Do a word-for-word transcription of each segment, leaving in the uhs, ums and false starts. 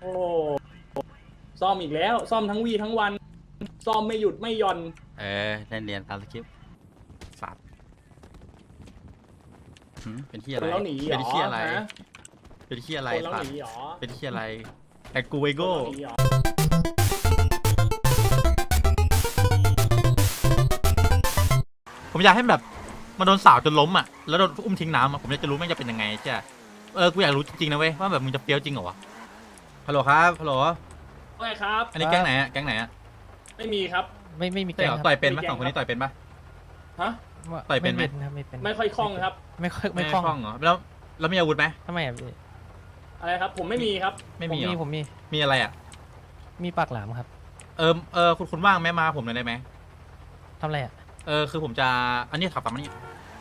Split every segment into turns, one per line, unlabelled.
โอ้ซ่อมอีกแล้วซ่อมทั้งวีทั้งวันซ่อมไม่หยุดไม่หย่อน
เออได้เรียนตามสคริปต์สัตว์เป็นที่อะไร
แล้วหนีเหรอ
เป็นที่อะไรเป็นที่อะไร
แล้ว
สัต
ห
ว์
นีเหรอ
เป็นที่อะไรแต่กูไวโก้ผมอยากให้แบบมันโดนสาวจนล้มอ่ะแล้วโดนอุ้มทิ้งน้ำอ่ะผมอยากจะรู้มันจะเป็นยังไงใช่เออกูอยากรู้จริงๆนะเว้ยว่าแบบมึงจะเฟี้ยวจริงเหรอวะฮัลโหลครับฮัลโหล
ไม่ครับ
อันนี้แก๊งไหนอ่ะแก๊งไหนอ่ะ
ไม่มีครับ
ไม่ไม่มีแก๊งครับ
ต่อยเป็นไหมสองคนนี้ต่อยเป็นปะ
ฮะ
ต่อยเป็นไหม
ไม่เป็น
ไม่ค่อยคล่องครับ
ไม่ค่อย
ไม่
ไม่
คล่องเหรอแล้วแล้วมีอาวุธไหม
ทำไมอ่ะพี่
อะไรครับผมไม่มีครับ
ไม่มี
ผมมี
มีอะไรอ่ะ
มีปากหลามครับ
เออเออคุณคุณว่างไหมมาผมหน่อยได้ไหม
ทำอะไรอ่ะ
เออคือผมจะอันนี้ขับตามมานี่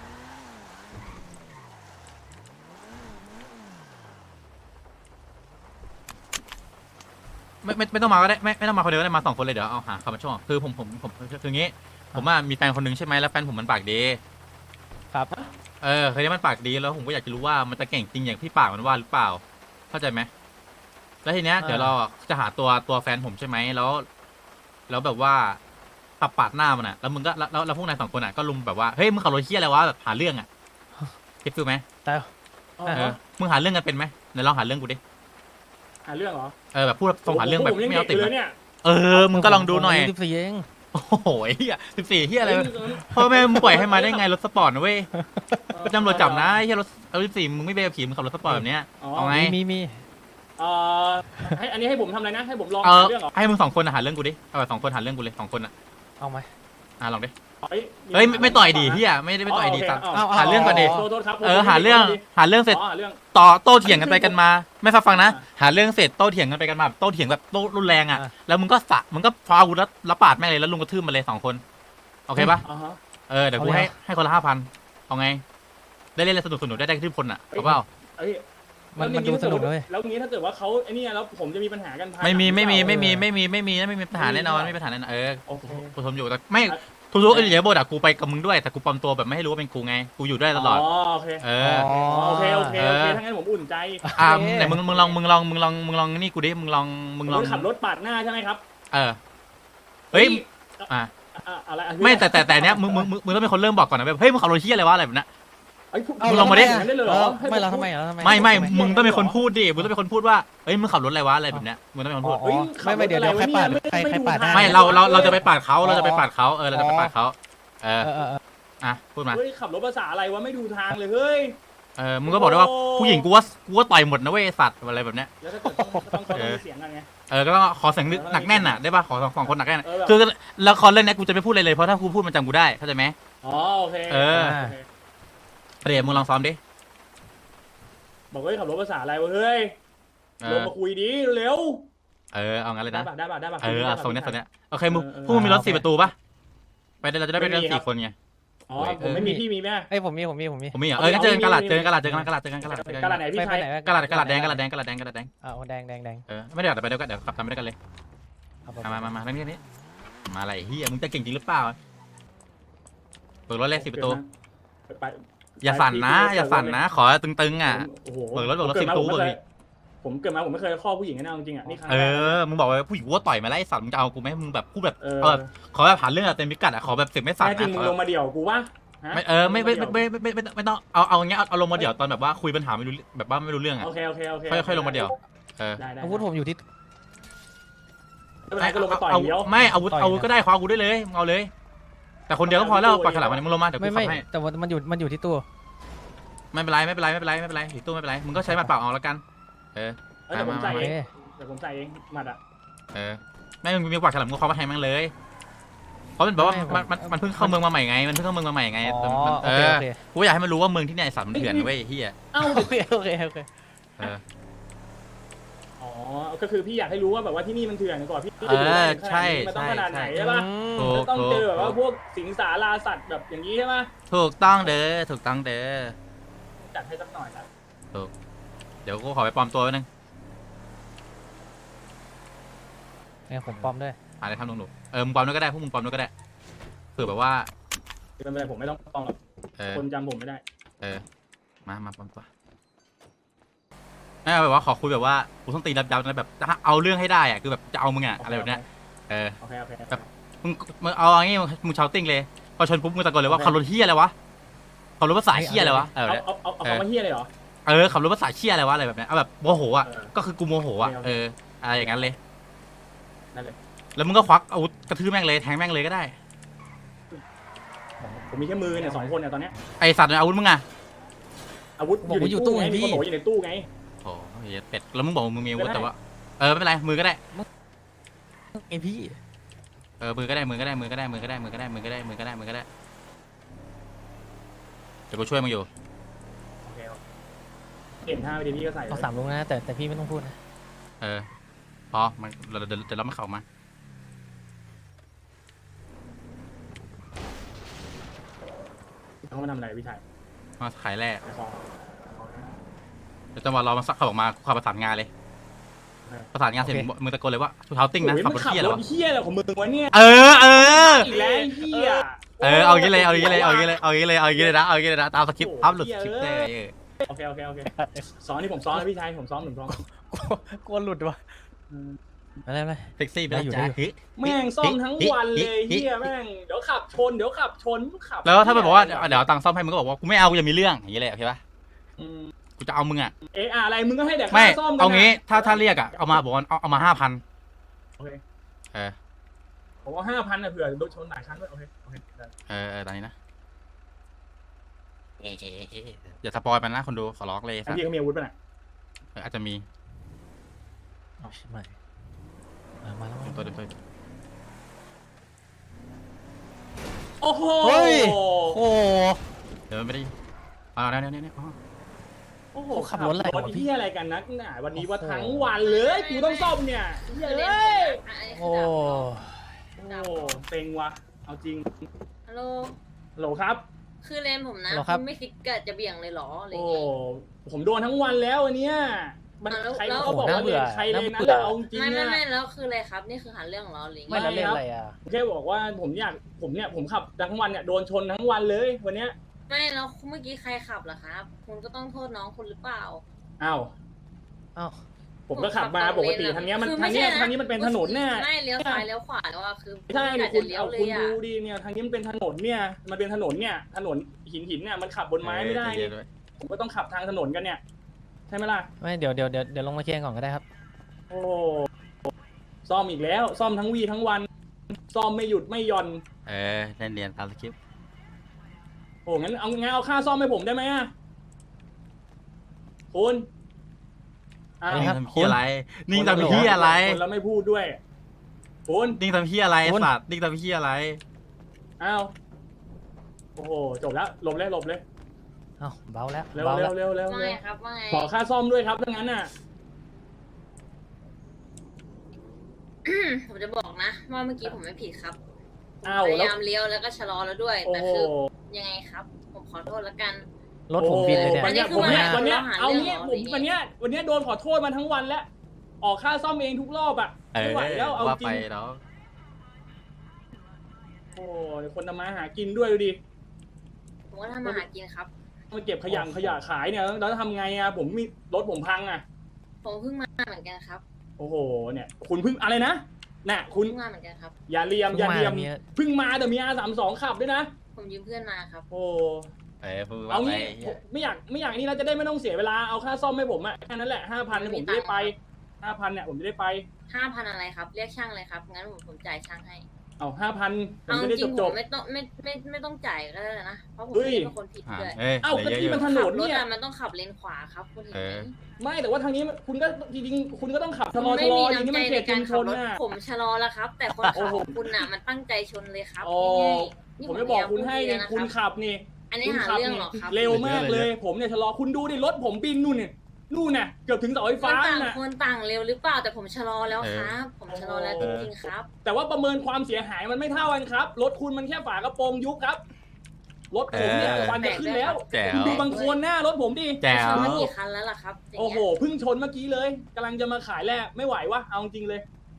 ไม่ไม่ไม่ต้องมาก็ได้ไม่ไม่ต้องมาคนเดียวก็ได้มาสองคนเลยเดี๋ยวเอาหาคำมาช่วงคือผมผมผมคืองี้ผมว่ามีแฟนคนนึงใช่ไหมแล้วแฟนผมมันปากดี
ครับ
เออเคยได้มันปากดีแล้วผมก็อยากจะรู้ว่ามันจะเก่งจริงอย่างที่ปากมันว่าหรือเปล่าเข้าใจไหมแล้วทีเนี้ยเดี๋ยวเราจะหาตัวตัวแฟนผมใช่ไหมแล้วแล้วแบบว่าขับปาดหน้ามันอ่ะแล้วมึงก็แล้วแล้วพวกนายสองคนอ่ะก็ลุมแบบว่าเฮ้ยมึงขับรถเที่ยอะไรวะแบบหาเรื่องอ่ะคิดฟิลไหม
แต่
เออมึงหาเรื่องกันเป็นไหมไหนลองหาเรื่องกูดิ
หาเรื่องเหรอ
เออแบบพูดส่งหาเรื่องแบบไม่เอาติด
เลยเนี่ย
เออมึงก็ลองดูหน่อย
สิบสี่เอง
โอ้โหเฮียสิบสี่เฮียอะไรพ่อแม่มึงปล่อยให้มาได้ไงรถสปอร์ตนะเว้ยตำรวจจับนะเฮียรถเอาสิบสี่มึงไม่เบรขี่มึงขับรถสปอร์ตแบบเนี้ยเอาไง
มีมี
เอ่อให้อันนี้ให้ผมทำอะไรนะให้ผมลอง
หา
เรื่องเหรอ
ให้มึงสองคนหาเรื่องกูดิเอาแบบสองคนหาเรื่องกูเลยสองคนอ่ะ
เอาไหม
อ่ะลองดิ
เฮ้ย
เฮ้ยไม่ต่อยดีเฮียไม่ได้ไม่ต่อยดีสัตว์หาเรื่องก่อนดิเออหาเรื่องหาเรื่องเสร็จต่อโต้เถียงกันไปกันมาไม่ฟังฟังนะหาเรื่องเสร็จโต้เถียงกันไปกันมาโต้เถียงแบบโต้รุนแรงอ่ะแล้วมึงก็สะมึงก็ฟาวแล้วละปาดแม่งเลยแล้วลุงกระทืบมันเลยสองคนโอเคปะเออเดี๋ยวกูให้ให้คนละห้าพันเอาไงได้เล่นสนุกสนุกได้ได้กระทืบคนอ่ะเอาเปล่า
มันมันดูสนุกเลย
แล้วงี้ถ้าเกิดว่าเขาไอ้นี่แล้วผมจะมีปัญหากัน
ไม่มีไม่มีไม่มีไม่มีไม่มีไม่มีปัญหาแน่นอนไม่มีปัญหาแน่นอนเออกูทนอยู่แต่ไม่ทุกๆเอเดี๋ยวโบดอะกูไปกับมึงด้วยแต่กูปลอมตัวแบบไม่ให้รู้ว่าเป็นกูไงกูอยู่ด้วยตลอด
อ๋อโอเค
เออ
โอเคโอเคโอเคถ้างั้นผมอุ่นใจ
อ่าไหนมึงมึงลองมึงลองมึงลองมึงลองนี่กูดิมึงลองมึงลอง
ขับรถปาดหน้าใช่ไหมครับ
เออเฮ้ยอ่า
อะไร
ไม่แต่แต่แต่เนี้ยมึงมึงมึงต้องเป็นคนเริ่มบอกก่อนนะเฮ้ยมึงขับรถเที่ยอะไรวะอะไรแบบนั้นมึงลองมาดิ
ไม่เราทำไมเราทำไม
ไม่ไม่มึงต้องเป็นคนพูดดิมึงต้องเป็นคนพูดว่าเฮ้ยมึงขับรถอะไรวะอะไรแบบเนี้ยมึงต้องเป็นคนพูด
ไม่ไม่เดี๋ยวเดี๋ยวใครปาดใครใครปาด
ไม่เราเราเราจะไปปาดเขาเราจะไปปาดเขาเออเราจะไปปาดเขาเอออ่ะพูดมา
เฮ้ยขับรถภาษาอะไรวะไม่ดูทางเลยเฮ้ย
เออมึงก็บอกได้ว่าผู้หญิงกูว่ากูว่าต่อยหมดนะเว้ยสัตว์อะไรแบบเนี้ย
แล้วถ้าเกิดต้องเขาต้องเสียงกันไง
เออก็ต้องขอเสียงหนักแน่นอ่ะได้ป่ะขอสองคนหนักแน่นคือละครเรื่องนี้กูจะไม่พูดเลยเลยเพราะถ้ากูพูดมันจำกูได้เข้าใจไหม
อ๋อโอเค
เออเดี๋ยวมึงลองซ้อมดิ
บอกว่าขับรถภาษาอะไรวะเฮ้ยลงมาคุยดิเร็ว
เออเอางั้นเลยนะ
ได้ป่ะได้ป่ะ
เออส่งเนี้ยส่งเนี้ยโอเคมึงพวกมึงมีรถสี่ประตูป่ะไปเราจะได้ไปกันสี่คนไง
อ๋อผมไม่มีพี่มีแม่
ไอ้ผมมีผมมีผมมี
ผมมีอ่ะเออเจอกันกระดาษเจอกันกระดาษเจอกันกระดาษเจอกันกระดาษเจอกัน
กระดาษไหนพี่ชาย
กระดาษกระดาษแดงกระดาษแดงกระดาษแดงกระดาษแดง
อ๋อแดงแดงแดง
เออไม่ได้เดี๋ยวไปเดี๋ยวกันเดี๋ยวขับทำไปด้วยกันเลยมามามาเรื่องนี้มาอะไรเฮียมึงจะเก่งจริงหรือเปล่าเปิดรถเลยสี่ประตูอย่าสั่นนะอย่าสั่นนะขอตึงๆอ่ะเปิดรถเปิดรถสิบประตูเลย
ผมเกิดมาผมไม่เคยข้อผู้หญิงนะจริงอ่ะนี่ครั้ง
เออมึงบอกว่าผู้หญิงว่าต่อยมาไล่สั่นมึงจะเอากูไหมมึงแบบพูดแบบเออขอแบบผ่านเรื่องเต็มพิกัดอ่ะขอแบบเสียงไม่สั่นนะ
จริงมึงลงมาเดี่ยวกูวะ
ไม่เออไม่ไม่ไม่ไม่ไม่ไม่ต้องเอาเอาอย่างเงี้ยเอาลงมาเดี่ยวตอนแบบว่าคุยปัญหาไม่รู้แบบว่าไม่รู้เรื่องอ่ะ
โอเคโอเคโอเค
ค่อยค่อยลงมาเดี่ยวเออ
อาวุธผมอยู่ที่
ไม่ก็ลงมาต่อยเดียว
ไม่อาวุธอาวุธก็ได้คว้าอาวุธได้เลยเอาเลยแต่คนเดียวก็พอแล้วปากฉลามมันมึงลงมาเดี๋ยวกูขับให้
แต่ว่ามันอยู่มันอยู่ที่ตัว
ไม่เป็นไรไม่เป็นไรไม่เป็นไรไม่เป็นไรถือตู้ไม่เป็นไรมึงก็ใช้หมัดเปล่าเอาแล้วกันเออ
เดี๋ยวผมใส่เองเดี๋ยวผมใส่เองหมัดอ่ะ
เออไม่มึงมีปากฉลามมึงคว้ามาแทงมันเลยเพราะมันบอกว่ามันมันมันเพิ่งเข้าเมืองมาใหม่ไงมันเพิ่งเข้าเมืองมาใหม่ไงเออกูอยากให้มันรู้ว่าเมืองที่เนี่ยสัตว์มันเถื่อนเว้ยเฮีย
เอ้า
โอเคโอเคโอเค
เออ
อ๋อก็คือพี่อยากให้รู้ว่าแบบว่าที่นี่มันเถื่อนก่อนพี่
เออใช่
มันต้องขนาดไหนใช่ป่ะต้องเจอแบบว่าพวกสิงสาราสัตว์แบบอย่างนี้ใช่ไหม
ถูกต้องเด้อถูกต้องเด้อ
จัดให้สักหน่อยนะ
ถูกเดี๋ยวกูขอไปปลอมตัวนึง
เนี่ยผมปลอมด้วย
อะไรทำลงหนูเออมึงปลอมด้วยก็ได้พวกมึงปลอมด้วยก็ได้เผื่อแบบว่า
ไม่เป็นไรผมไม่ต้องปลอมคนจำผมไม่ได้
เออมามาปลอมตัวไม่แบบว่าขอคุยแบบว่ากูต้องตียับๆนะแบบจะเอาเรื่องให้ได้อะคือแบบจะเอามึงอะอะไรแบบเนี้ยเออ
โอเคโอเค
แบบ มึงมึงเอาอย่างงี้มึงชาวติ้งเลยพอชนปุ๊บมึงตะโกนเลยว่าขับรถเฮียอะไรวะขับรถภาษาเฮียอะไรวะเออ
เอาเอาเอาเอาคำว่าเฮียเลยเหรอ
เออขับรถภาษาเฮียอะไรวะอะไรแบบเนี้ยเอาแบบโมโหอะ
เออ
ก็คือกูโมโหอะ
โอเค
เอออะไรอย่างนั้นเลย
นั่นเลย
แล้วมึงก็ควักอาวุธกระทืบแม่งเลยแทงแม่งเลยก็ได้
ผมมีแค่มือเนี่ยสองคนเนี่ยตอนเนี้ย
ไอสัตว์เนี่ยอาวุธมึงอะ
อาวุธอยู่ในตู้ไงมีคนบอกว่าอยู่ในตู้ไง
โอ้ยเป็ดแล้วมึงบอกว่ามึงมีอาวุธ
ไม่ได้
แต่ว่าเออไม่เป็นไรมือก็ได้
ไอพี่
เออมือก็ได้มือก็ได้มือก็ได้มือก็ได้มือก็ได้มือก็ได้มือก็ได้มือก็ได้เดี๋ยวกูช่วยมึงอยู่
โอเคเห็นท่าไปดีพี่ก็ใส่เล
เอา
ย
สามลุงนะแต่แต่พี่ไม่ต้องพูดนะ
เออพอมันเดี๋ยวเดี๋ยวเดี๋ยวเราไม่เข้ามา
เขามาทำอะไรพี่ชาย
มาขายแร่
ในคลอง
เดี๋ยวจังหวะรอมันสักขับออกมากูขับประสานงานเลยประสานงานเสร็จมึงตะโกนเลยว่าชูเท้าติ้งนะขับรถเที่ย
แล้
แล้ว ว
เฮียอะไรของมึงวะเนี่ย
เออเออ
อีกแล้วเฮีย
เออเอาอย่างงี้เลยเอาอย่างงี้เลยเอาอย่างงี้เลยเอาอย่างงี้เลยเอาอย่างงี้เลยนะเอาอย่างงี้เลยนะตามสคริปต์อัพหลุดสคริปต์ได้เออ
โอเคโอเคโอเคซ้อนนี่ผมซ้อนแล้วพี่ชายผมซ้อนหนึ่งซ้อน
กลัวหลุดวะอะไรอะไร
เซ็กซี่ไป
ได้อยู่
จ้า
ได้อยู่
แม่งซ่อมทั้งวันเลยเฮียแม่งเดี๋ยวขับชนเดี๋ยวขับชนขับ
แล้วถ้ามันบอกว่าเดี๋ยวเอาตังค์ซ่อมให้มึงก็บอกว่ากูไม่เอากูจะมีเรื่องอย่างงี้เลยโอเคปะกูจะเอามึงอ่ะ
เอออะไรมึงก็ให้แต่
ไม่
ค่าซ่อมกัน
เอางี้ถ้าถ้าเรียกอ่ะเอามาบอกว่าเอาเอามาห้าพัน
โอเค
เออ
ผมว่าห้าพันนะเผื่อโดนชนหลายครั้งด้วยโอเคโอเค
เออเออตอนนี้นะเอ๊ะเอ๊ะเอ๊ะอย่าสปอยมันนะคนดูขอร้องเลยสัตว์
พี่เขามีอาวุธป่ะน่ะ
เอออาจจะมี
อ๋อไม่มามาแล้ว
เดี๋ยวตัวเดี๋ยวตัว
โอ้โห
เฮ้ยโอ้
เดี๋ยวมันไม่ได้เอาเนี่ยเนี่ยเนี่ยอ๋อ
โอ้โห
ขับรถอะไร
รถ
วะพี่
ที่อะไรกันนักหนาวันนี้ว่า
โอ้โห
ทั้งวันเลยกูต้องซ่อมเนี่ยเหี้ยเลย
โอ้
โอ้เซ็งว่ะเอาจริง
ฮัลโหล
ฮัลโหลครับ
คือเลนผมนะ
ฮัลโหลครับ
ณไม่คิดกะจะเบี่ยงเลยเหรออะไร
โอ้
เงี้ย
ผมโดนทั้งวันแล้ววันเนี้ยมัน
อ่ะแล้ว
ใคร
แล้ว
เขาบอกว่า
น่าเบื่
เล
อ
นใครเลน
น่า
นั้น
เบื่อ
เอาจริง
ไม่ไม่
อะ
ไม่แล้วคืออะไรครับ นี่คือหาเรื่องเหรอหรือ
ไม่
ไง
แล้วเล่นอะไรอ่ะ
แค่บอกว่าผมอยากผมเนี่ยผมขับทั้งวันเนี่ยโดนชนทั้งวันเลยวันเนี้ย
ไม่แล้วเมื่อกี้ใครขับเหรอครับ คุณก็ต้องโทษน้องคุณหรือเปล่า
อ้าว
อ้าว
ผมก็ขับมาปกติทางเนี้ยมัน
คือ
ทาง
ไใช่
เนี้ยทางนี้มันเป็นถนนเนี่ย
ไม่เลี้ยวซ้ายเลี้ยวขวาแล้วอะคือ
ใช่
ไม่
เนี่ย
กะ
คุ
จะ
ณ
เลี้ยว
เอา
เล
คุณ
ยอะ
ดูดิเนี่ยทางนี้มันเป็นถนนเนี่ยมันเป็นถนนเนี่ยถนนหินหินเนี่ยมันขับบนไม้ไม่ได้
เออใจเย็นด้วย
ผมก็ต้องขับทางถนนกันเนี่ยใช่ไหมล่ะ
ไม่เดี๋ยวเดี๋ยวเดี๋ยวเดี๋ยวลงมาเคลียร์ก่อนก็ได้ครับ
โอ้ซ่อมอีกแล้ว ซ่อมทั้งวีทั้งวัน ซ่อมไม่หยุดไม่หย่อน
เออเล่นเรียนตามสคริปต์
โอ้งั้นเอางั้นเอาค่าซ่อมให้ผมได้ไหมอะคุณอ้าว
นี่
นิ่ง
ครับ
ทำเพี้ยอะไรนิ่งทำเพี้ยอะไร
คนแล้วไม่พูดด้วยคุณ
นิ่งทำเพี้ยอะไร
คุณ
สัตว์นิ่งทำเพี้ยอะไร
อ้าวโอ้โหจบแล้วหลบเลยหลบเลย
เอ้าเบาแล้ว
เร็ว
เบา
เร็
แล้ว ว
เร็วเร็ว
ว่า
เร็
ไง
ว
ครับว่าไง
ขอค่าซ่อมด้วยครับดังนั้นน่ะ
ผมจะบอกนะว่าเมื่อกี้ผมไม่ผิดครับ
อ้าว
พยา
แล้ว
ยามเลี้ยวแล้วก็ชะลอแล้วด้วย
โอ้
แต่
โห
คือยังไงครับ ผมขอโทษแล้วกัน
รถผมบินเลยเนี่ย
วันเนี้ย
อันนี้คือ
ผมเนี่ย
ว่า
วันเนี้ย
เราหา
เอา
เรื่อง
เนี้ย
เหรอ
ผม
หรือไง
วันเนี้ยวันเนี้ยโดนขอโทษมาทั้งวันแล้ว ออกค่าซ่อมเองทุกรอบอ่ะ
เออ
ไม่ไหวแล้วเอา
ว่า
จริ
ไป
ง
แล้ว
โอ้เดี๋ยวคนทำมาหากินด้วยดูดิ
ผมก็ทำมาหากินครับ
มาเก็บขยะขยะขายเนี่ยแล้วทำไงอ่ะผมมีรถผมพังอ่ะ
ผมเพิ่งมาเหมือนกันครับ
โอ้โหเนี่ย คุณเพิ่งอะไรนะน่ะคุณ
เพิ่งมาเหมือนกันครับ
อย่าเลียมอย่าเลียม
เพิ่งมา
เพิ่งมาแต่มีอาสามสองขับด้วยนะ
ผมยืมเพื่อนมาครับ
โอ้
เออพูดว่า
เอา
ไป
งี้ผมไม่อยากไม่อยากนี่เราจะได้ไม่ต้องเสียเวลาเอาค่าซ่อมให้ผมอ่ะแค่นั้นแหละห้าพันเนี่ยผมจะได้ไปห้าพันเนี่ยผมจะได้ไป
ห้าพันอะไรครับ เรียกช่างเลยครับ งั้นผมผมจ่ายช่างให้
เอาห้าพันผม
เอา
จะ
จ
ได้
ริ
จ
ง
บ
ๆ
จ
ผ
บ
มไม่ต้องไม่ไม่ไม่ไม่ต้องจ่ายก็ได้นะ เพราะผม
เฮ้ย
ไม่ได้เป็นคนผิด
อ่า
ด้วย
เอ้ย
เอ้าก็
เยอะ
ที่
อยู่
มันถน
ขับ
น
รถ
เนี่ย
อะมันต้องขับเลนขวาครับคุณเห็น
เอ
ไหม
อ
ไม่แต่ว่าทางนี้คุณก็จริงๆคุณก็ต้องขับชะลอ
ไม่
ชะล
มี
ออย่างนี้
น้ำใจ
มันเข
ใน
ตชุ
การ
มช
ขับ
น
รถ
น่ะ
ผมชะลอแล้วครับ แต่คนขับของคุณน่ะมันตั้งใจชนเลยครับ
อ๋อ
ง่ายๆนี่
ผมจะบอกคุณให้
พยายา
เนี่ย
มพูด
คุณ
ดีแล้วนะ
ขับนี่
อันนี้
คุณ
หา
ขั
เรื่อง
นี่
เหรอครับ
เร็วมากเลย ผมเนี่ยชะลอคุณดูดิรถผมบินนู่นเนี่ยนู่นน่ะเกือบถึงเสาไฟ
ค
ฟ้าน
ต่าง
น่ะ
คนต่างเร็วหรือเปล่าแต่ผมชะลอแล้วครับ ผมชะลอแล้วจริงๆครับ
แต่ว่าประเมินความเสียหายมันไม่เท่ากันครับรถคุณมันแค่ฝากระโปรงยุบครับรถผมเนี่ย
เออ
ควันจะขึ้นแล้ว
แจ๋ว
คุณดูบางคนหน้ารถผมดิ
แจ๋
ช
วน
มากี่คันแล้วล่ะครับอย่าง
โอ้
เงี้
โห
ย
เพิ่งชนเมื่อกี้เลยกำลังจะมาขายแลกไม่ไหววะเอาจริงเลย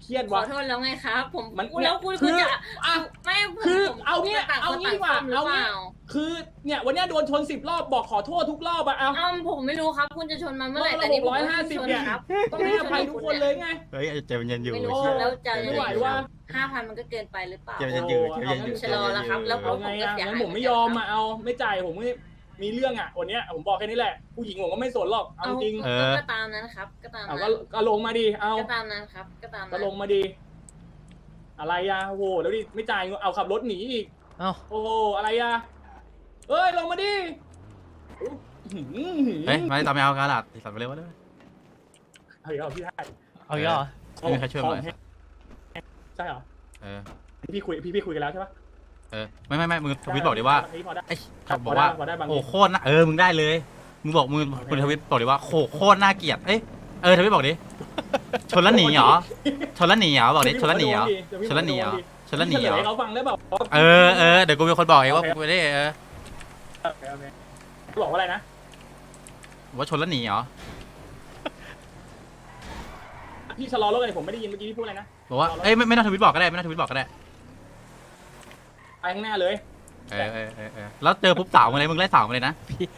เครียด
ขอ
ว่ะ
โทษแล้วไงครับ ผม
มัน
แล้วคุณ
คื
คุณ
อ
จะ
อ่ะ
ไม่ผม
คือ
ผม
เอาเนี่ย
ต่าง
เอา
คน
งี้
ต่าง
ดีกว่า
ซ่อมหรือ
เอา
เป
งี้
ล่า
คือเนี่ยวันเนี้ยโดนชนสิบรอบบอกขอโทษทุกรอบอะเอา
อ้าวผมไม่รู้ครับ คุณจะชนมาเมื่อไหร่
รอบละ
แต่นี่ผม
หกร้อยห้าสิบ
ชน
เนี่ย
ครับ
ต้องให้อภัยทุกคนเลยไง
เฮ้ยใจมันเย็นอยู่
ไม่รู้
โอ้
แล้วจะ
ใจ
ไม่
เย็น
ไหวว่ะ
ห้าพันมันก็เกินไปหรือเปล่า
ใจเย็นอยู่ใจเย็นอยู่
ชะลอแล้วครับแล้ว
เอาไงอะงั้นผมไม่ยอมอะเอาไม่จ่ายผมไม่มีเรื่องอะวันเนี้ยผมบอกแค่นี้แหละผู้หญิงผมก็ไม่สนหรอกเอาจริง
เออ
ก็ตามนั้นครับ ก็ตาม
เอา
นั้
ก็
น
ก็ลงมาดิเอา
ก็ตามนั้นครับ ก็ตาม
ก็
นั้น
ลงมาดิอะไรอะโอ้โหแล้วดิไม่จ่ายเงินเอาขับรถหนีอีก
เอ้า
โอ้โหอะไรอะเอ้ยลงมาดิอื้อหือ
เฮ้ยมาตามไปเอากระดาษสั่นไปเร็วเลย
เอาอีกแล้วพี่ให้
เอาอีกแล้วเหรอ
ไม่มีใครช่วยเลย
ใช่เหรอ
เออ
พี่คุยพี่พี่คุยกันแล้วใช่ปะ
เออไม่ไม่ไม่มึงทวิตบอกดิว่า
อันนี้พอได้
ไอ้บอกว่า
พอได้บาง
โอ้โคตรน่าเออมึงได้เลยมึงบอกมึงคุณทวิตบอกดิว่าโคโคตรน่าเกลียดเอ้ยเออทวิตบอกดิชนแล้วหนีเหรอชนแล้วหนีเหรอบอกดิชนแล้วหนีเหรอชนแล้วหนีเหรอชนแล้วหนีเหรอ
ให้เขาฟังได้แบบ
เออเออเดี๋ยวกูเป็นคนบอกเองว่ากูไม่ได้เออ
บอกว่าอะไรนะ
ว่าชนแล้วหนีเหรอ
พี่ชะลอรถเลยผมไม่ได้ยินเมื่อกี้พี่พูดอะไรนะ
บอกว่าเอ้ยไม่ไม่ต้องทวิตบอกก็ได้ไม่ต้องทวิตบอกก็ได้
ไปข้างหน้าเลย
เออเออเออเออแล้วเจอปุ๊บสาวมาเลยมึงไล่สาวมาเลยนะ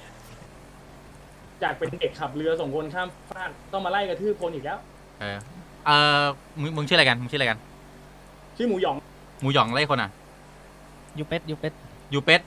จากเป็นเด็กขับเรือส่งคนข้ามฟากต้องมาไล่กระทืบคนอีกแล้ว
เออเออมึงมึงชื่ออะไรกันมึงชื่ออะไรกัน
ชื่อหมูหยอง
หมูหยองไล่คนอ่ะ
ยูเป็ดยูเป็ด
ยูเป็ด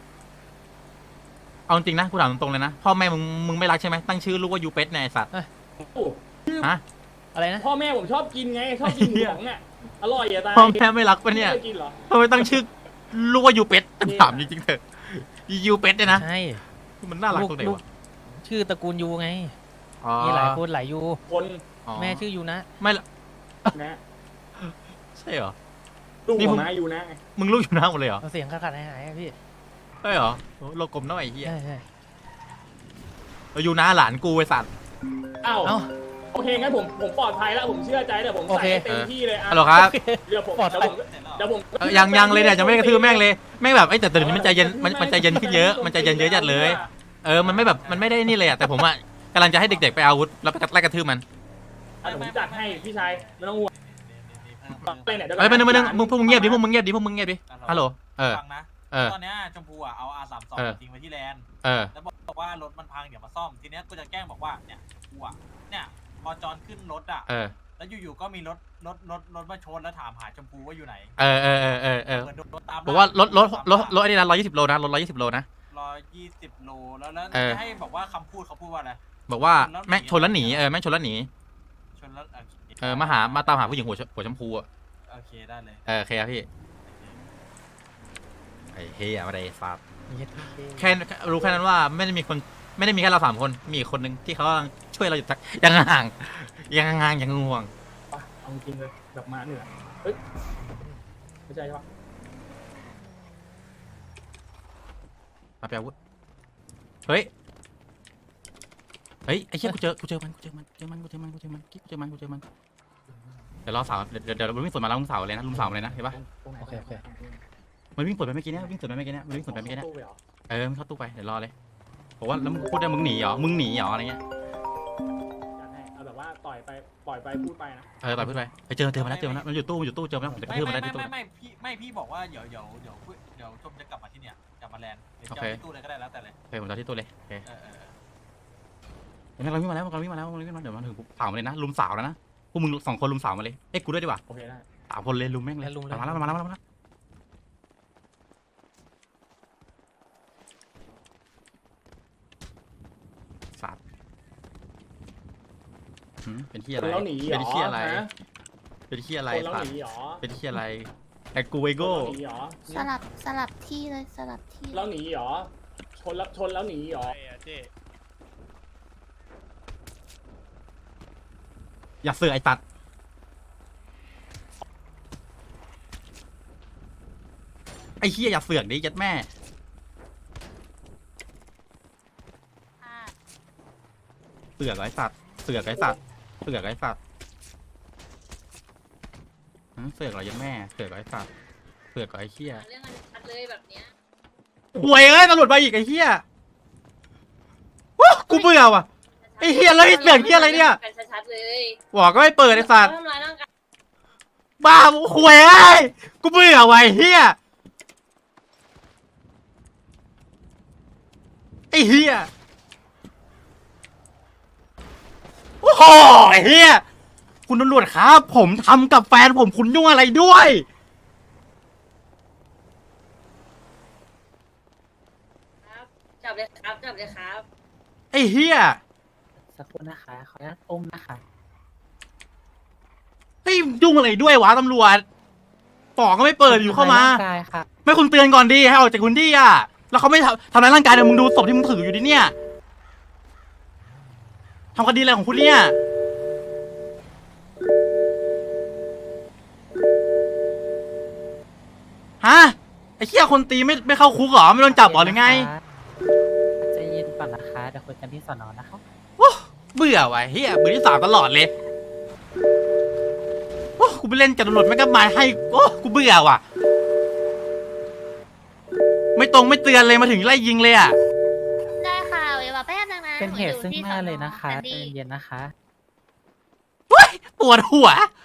เอาจริงนะกูถามตรงๆเลยนะพ่อแม่มึงมึงไม่รักใช่ไหมตั้งชื่อลูกว่ายูเป็ดเนี่ยไอ้สัตว์
โอ้
ฮะ
อะไรนะ
พ่อแม่ผมชอบกินไงชอบกินหมูหยองอ่ะอร่อยอ่ะตาย
พ่อแม่ไม่รักปะเนี่ย
ไม่คกินเหรอ
ทำไมตั้งชื่อลูกว่ายูเป็ดถามจริงๆเถอะยูเป็ดเนี่ยนะ
ใช่
มันน่ารักตรงไหน
ลู
วะ
ชื่อตระกูลยูไง
อ๋อ
มีหลายคนหลายยู
คน
อ๋อ
แม่ชื่อยูนะ
ไม่ละ
นะ
ใช่เหรอ
ลูก
นี่
ข
ผ
อ
ม
งน้าอยู่นะ
มึงลูกอยู่หน้าหมดเลยเหรอ
เอาเสียงขาดขาดหายหายอะพี่
ใช่เหรอโอ้โลกลมน้อยไอ้เหี้ย
ใช่ใช่
เราอยู่หน้าหลานกูไอ้สัตว์
อ้าว
เอ้า
โอเคงั้นผมผมปลอดภัยแล้วผมเชื่อใจแต่ผม
โอ
ใส่
เค
ให้เต็มที่เลยอ่ะ
ฮัลโหลครับ
เดี๋ยวผม
ปลอดภัย
เดี๋ยวผมเดี๋ยวผม
เออยังยังเลยเนี่ยยังไม่ได้กระทืบแม่งเลยแม่งแบบไอ้ยแต่แต่เดี๋ยวนี้มันใจเย็นมันมันใจเย็นขึ้นเยอะมันใจเย็นเยอะจัดเลย เออมันไม่แบบมันไม่ได้นี่เลยอะแต่ผมอะกำลังจะให้เด็กๆไปเอาอาวุธแล้วไปไล่กระทืบมัน
อ่ะเดี๋ยวผมจัดให้พี่ชายไม่ต้องห่วงไปไหนเดี๋ยวก่
เอ้ย
อน
ไปนึงไปนึงมึงพวกมึงเงียบดิพวกมึงเงียบดิพวกมึงเงียบดิฮัลโหลเออ
ฟังนะ
เออ
ตอนเนี้ยชมพูอ่ะเอา อาร์ สามสิบสอง
เออ
ทิ้งไว้ที่แลนด์
เออ
แล้วบอกว่ารถมันพังเดี๋ยวมาซ่อมทีเนี้ยกูจะแกล้งบอกว่าเนี่ยกูอ่ะเนี่ยพอจอนขึ้นรถอ่ะ
เออ
แล้วอยู่ๆก็มีรถรถรถรถมาชนแล้วถามหาชมพูว่าอยู่ไหน
เออเออเออเออเออ
เหมือนโดนรถตาม
บอกว่ารถรถรถรถไอ้นี่นะร้อยยี่สิบโลนะรถร้อยยี่สิบโลนะ
ร้อยยี่สิบโลแล้วแล้ว
เออ
จะให้บอกว่าคำพูดเขาพูดว่าอะไร
บอกว่าแม่งชนแล้วหนีเออแม่งชนแล้วหนี
ชนแล้วโอเค
เออมาหามาตามหาผู้หญิงหัวชหัวชมพูอะ
โอเคได้เลย
เออโอเคครับพี่ไอ้เฮียอะไรฟาด
เย็ด
แค่รู้แค่นั้นว่าไม่ได้มีคนไม่ได้มีแค่เราสามคนมีอีกคนนึงที่เขากำลังช่วยเราอยู่จากยังห่างยังห่างยังง่วง
ไปเอาจริงเลยแบบมาเหนือเฮ้ยไม่ใช่ใช่ปะ
มาไปอาวุธเฮ้ย เฮ้ยไอ้เชี่ยกูเจอกูเจอมันกูเจอมันเจอมันกูเจอมันกูเจอมันกิ๊กกูเจอมันกูเจอมันเดี๋ยวรอสาวเดี๋ยวเดี๋ยวเดี๋ยวเราวิ่งสวนมาแล้วลุงสาวเลยนะลุงสาวเลยนะเห็นปะ
ตรงไหน
โอเคโอเค
มันวิ่งสวนไปเมื่อกี้เนี้ยวิ่งสวนไปเมื่อกี้เนี้ยมันวิ่งสวนไปเมื่อกี้เนี้ย
ตู้ไปเหรอ
เออมันเข้าตู้ไปเดี๋ยวรอเลยบอกว่าแล้วมึงพูดได้มึงหนีเหรอมึงหนีเหรออะไรเงี้ย
จัดให้เอาแบบว่าต่อยไปปล่อยไปพูดไปนะ
เออต่อยพูดไปไปเจอเจอมาแล้วเจอมาแล้วมันอยู่ตู้มันอยู่ตู้เจอมาแล้วผมจะกระ
ไม่
ทืบมัน
ไม่
ได้ที่ตู้
ไม่ไม่พี่ไม่พี่บอกว่าเดี๋ยวเดี๋ยวเดี๋ยวเดี๋ยวชมจะกลับมาที่เนี่ยกลับมาแลนด์เดี๋ยวจะ
โอเค
เอาที่ตู้เลยก็ได้แล้วแต่เลย
โอเคผมจะเอาที่ตู้เลยโอเค
เออเออเออ
เดี๋ยวเราวิ่งมาแล้วเราวิ่งมาแล้วเราวิ่งมาเดี๋ยวมาถึงสาวมาเลยนะลุมสาวแล้วนะพวกมึงสองคนลุมสาวมาเลยเอ้ยกูด้วยดีกว่า
โอเคได้
สามคนเลยลุมแม่งเลยมาแล้วมาแล้วมาแล้วมาแล้วสัตว์หืมเป็นที่
ค
อะไร
นแล้วหนีเหร
เป็น
อ
ที่อะไร
ฮะ
เป็นที่อะไร
คนแล้ว
สัต
ห
ว์
นีเหรอ
เป็นที่อะไรแต่กูไว
คน
โก้
แล้วหนีเหรอ
สลับสลับที่เลยสลับที่
แล้วหนีเหรอชนแล้วชนแล้วหนีเหรอ
อย่าเสือกไอ้สัตว์ไอ้เฮียอย่าเสือกดิยัดแม่เสือกไอ้สัตว์เสือกไอ้สัตว์เสือกไอ้สัตว์หือเสือกเหรอยัดแม่เสือกไอ้สัตว์เสือกไอ้เฮีย
เรื่องอันชัดเลยแบบเนี้ย
ห่วยเอ้ยตำรวจมาอีกไอ้เฮียวู้กูเบื่อว่ะ ไอ้เหี้ยแล้วไอ้เสือกเหี้ยอะไรเนี่ย
กันชัดๆเลย
บอกก็ไม่เปิดไอ้สัตว์
ทำร้ายร่างกาย
บ้าหวยไอ้กูเบื่อไว้เฮียไอ้เฮียโอ้โหไอ้เฮียคุณตำรวจครับ ผมทำกับแฟนผมคุณยุ่งอะไรด้วย
ครับจับเลยครับจับเลยครับ
ไอ้เฮีย
สักครู่นะคะขออนุญาตอุ้มนะคะ
เฮ้ยยุ่งอะไรด้วยวะตำรวจปอกก็ไม่เปิดอยู่เข้ามา
ร่างกายค่ะ
ไม่คุณเตือนก่อนดีให้ออกจากพื้นที่อ่ะแล้วเขาไม่ทำทำร้ายร่างกายเนี่ยมึงดูศพที่มึงถืออยู่ดิเนี่ยทำคดีอะไรของคุณเนี่ยฮะไอ้เหี้ยคนตีไม่ไม่เข้าคุกเหรอไม่โดนจับเหรอหรือไง
ใจเย็นก่อนนะคะเดี๋ยวคุยกันที่สอนอนะคะ
โอ้เบื่อว่ะเหี้ยเบื่อที่สามตลอดเลยโอ้กูไปเล่นกับตำรวจไม่ก็มาให้โอ้กูเบื่อว่ะไม่ตรงไม่เตือนเลยมาถึงไล่ยิงเลยอ่ะ
ได้ค่ะเดี๋ยวมาแป๊บนึงนะ
เป็นเหตุ
อยู่
ซึ่ง
ที่
หน้า
สอ
เลยนะคะ
แซน
ใจ
ดี้
เย็นๆนะคะ
ปวดหัว